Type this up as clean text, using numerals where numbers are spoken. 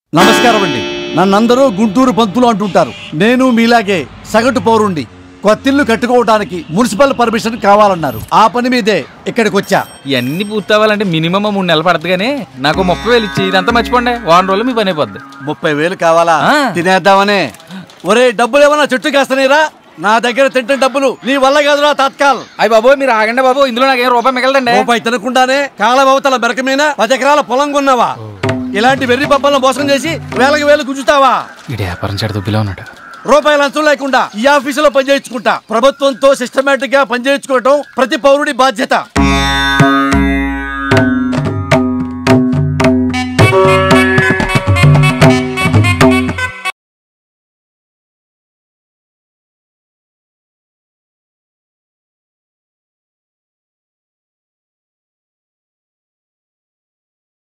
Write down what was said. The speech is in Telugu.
నమస్కారం అండి. నన్నందరూ గుంటూరు పంతులు అంటుంటారు. నేను మీలాగే సగటు పౌరుండి. కొత్తిల్లు కట్టుకోవడానికి మున్సిపల్ పర్మిషన్ కావాలన్నారు. ఆ పని మీదే ఇక్కడికి వచ్చా. ఇవన్నీ పూర్తవ్వాలంటే మినిమం 3 నెలలు పడుతుంది. కానీ నాకు 30,000 ఇచ్చి ఇదంతా మర్చిపోండి. వారం రోజులు మీ పని అయిపోద్ది. 30,000 కావాలా? తినేద్దామనే. ఒరే, డబ్బులు ఏమన్నా చెట్టు కాస్తనేరా? నా దగ్గర తింటే డబ్బులు నీ వల్ల కాదురా తాత్కాల్. అయ్యి బాబు, మీరు ఆగండి బాబు. ఇందులో నాకేం రూపాయి మిగలదండి. రూపాయి తినకుండానే కాలవతల మెరక మీద 10 ఎకరాల పొలం కొన్నావా? ఇలాంటి వెర్రి పబ్బలను మోసం చేసి వేలకు వేలు గుంజుతావా? ఇది వ్యాపారం చెడు దుబ్బిలో ఉన్నాడు. రూపాయల అంచు లేకుండా ఈ ఆఫీసులో పనిచేయించుకుంటా. ప్రభుత్వంతో సిస్టమేటిక్ గా పనిచేయించుకోవటం ప్రతి పౌరుడి బాధ్యత.